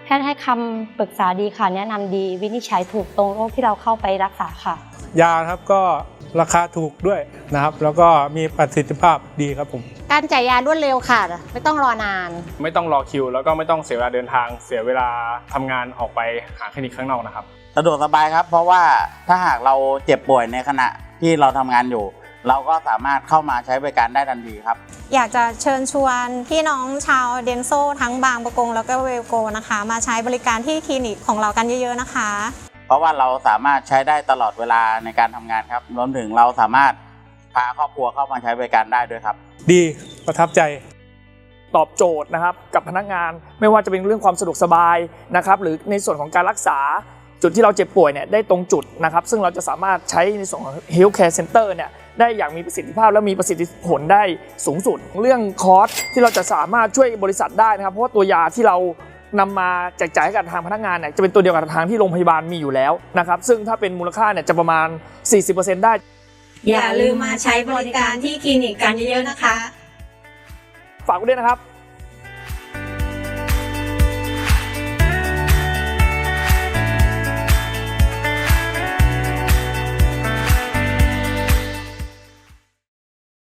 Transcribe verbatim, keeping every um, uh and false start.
แพทย์ให้คำปรึกษาดีค่ะแนะนำดีวินิจฉัยถูกตรงโรคที่เราเข้าไปรักษาค่ะยาครับก็ราคาถูกด้วยนะครับแล้วก็มีประสิทธิภาพดีครับผมการจ่ายยารวดเร็วค่ะไม่ต้องรอนานไม่ต้องรอคิวแล้วก็ไม่ต้องเสียเวลาเดินทางเสียเวลาทำงานออกไปหาคลินิกข้างนอกนะครับสะดวกสบายครับเพราะว่าถ้าหากเราเจ็บป่วยในขณะที่เราทำงานอยู่เราก็สามารถเข้ามาใช้บริการได้ทันทีครับอยากจะเชิญชวนพี่น้องชาวเดนโซทั้งบางประกงแล้วก็เวลโกนะคะมาใช้บริการที่คลินิกของเรากันเยอะๆนะคะเพราะว่าเราสามารถใช้ได้ตลอดเวลาในการทำงานครับรวมถึงเราสามารถพาครอบครัวเข้ามาใช้บริการได้ด้วยครับดีประทับใจตอบโจทย์นะครับกับพนักงานไม่ว่าจะเป็นเรื่องความสะดวกสบายนะครับหรือในส่วนของการรักษาจุดที่เราเจ็บป่วยเนี่ยได้ตรงจุดนะครับซึ่งเราจะสามารถใช้ในส่วนของ Health Care Center เนี่ยได้อย่างมีประสิทธิภาพและมีประสิทธิผลได้สูงสุดเรื่องคอสที่เราจะสามารถช่วยบริษัทได้นะครับเพราะว่าตัวยาที่เรานำมาแจกจ่ายให้กับทางพนักงานเนี่ยจะเป็นตัวเดียวกับทางที่โรงพยาบาลมีอยู่แล้วนะครับซึ่งถ้าเป็นมูลค่าเนี่ยจะประมาณ สี่สิบเปอร์เซ็นต์ ได้อย่าลืมมาใช้บริการที่คลินิกกันเยอะๆนะคะฝากไว้ด้วยนะครับ